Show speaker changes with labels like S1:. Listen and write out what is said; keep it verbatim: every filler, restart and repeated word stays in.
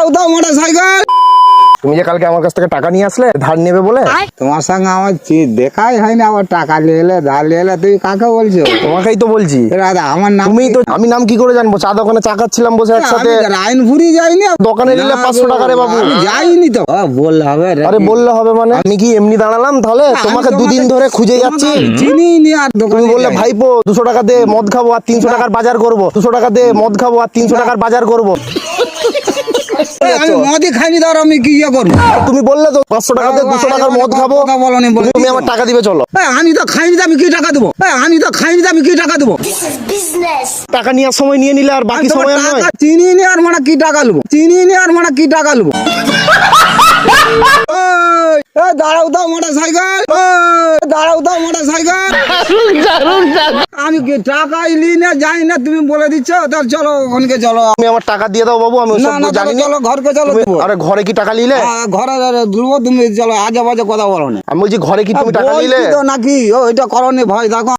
S1: দাঁড়াও দাও motor cycle.
S2: তুমি যে কালকে আমার কাছ থেকে টাকা নিয়ে আসলে ধার নেবে বলে,
S1: তোমার সঙ্গে আমার চি- দেখাই হয়নি, আবার টাকা নিয়ে এলে ধার নিয়ে এলে, তুমি কাকে বলছো?
S2: তোমাকেই তো বলছি।
S1: এ দাদা আমার নাম
S2: তুমি তো, আমি নাম কি করে জানবো? চা দোকানে চা খাচ্ছিলাম বসে একসাথে।
S1: রায়নপুরি যাইনি
S2: দোকানে নিলে
S1: না,
S2: পাঁচশো টাকা রে বাবু।
S1: আমি যাইনি তো। ও, বললে হবে রে।
S2: আরে বললে হবে মানে? আমি কি এমনি দাঁড়ালাম তাহলে?
S1: আমি
S2: তোমাকে দুদিন ধরে খুঁজে যাচ্ছি।
S1: চিনি নি আর
S2: তুমি
S1: দোকানে
S2: বললে
S1: যাই।
S2: ভাইপো দুশো টাকা দে মদ খাবো আর তিনশো টাকার বাজার করবো, দুশো টাকা দে মদ খাবো আর তিনশো টাকার বাজার করবো।
S1: এ, আমি মদই খাইনি, ধর আমি কি ইয়ে করবো?
S2: আর তুমি বললে তো পাঁচশো টাকা দে দুশো টাকার মদ খাবো।
S1: কথা বলনি, বলে
S2: তুমি আমার টাকা দিবে চলো।
S1: এ, আমি তো খাইনি তো আমি কি টাকা দেবো? এ, আমি তো খাইনি তো আমি কি টাকা দেবো?
S2: টাকা নেওয়ার সময় নিয়ে নিলে আর বাকি
S1: আমি তোমার
S2: সময় আর নয়।
S1: টাকা চিনি নি আর মানে কি টাকা নেবো? চিনি নি আর মানে কি টাকা নেবো? ওই, এ, দাঁড়াও দাও মোটর সাইকেল। ওই, দাঁড়াও দাও মোটর সাইকেল। আমি কি টাকাই লি না যাই না, তুমি বলে দিচ্ছ। তাহলে চলো ওখানকে চলো।
S2: তুমি আমার টাকা দিয়ে দাও বাবু, আমি
S1: না
S2: ওসব
S1: না
S2: জানি
S1: চলো
S2: না।
S1: চলো ঘরকে চলো
S2: তুমি-
S1: দেবো।
S2: আরে ঘরে কি টাকা নিলে?
S1: আ, ঘরে দুলবো, তুমি চলো আজে বাজে কথা বলো না।
S2: আমি বলছি ঘরে কি তুমি টাকা
S1: বলছি
S2: নিলে?
S1: তো নাকি ও এটা করনি ভয় দেখো।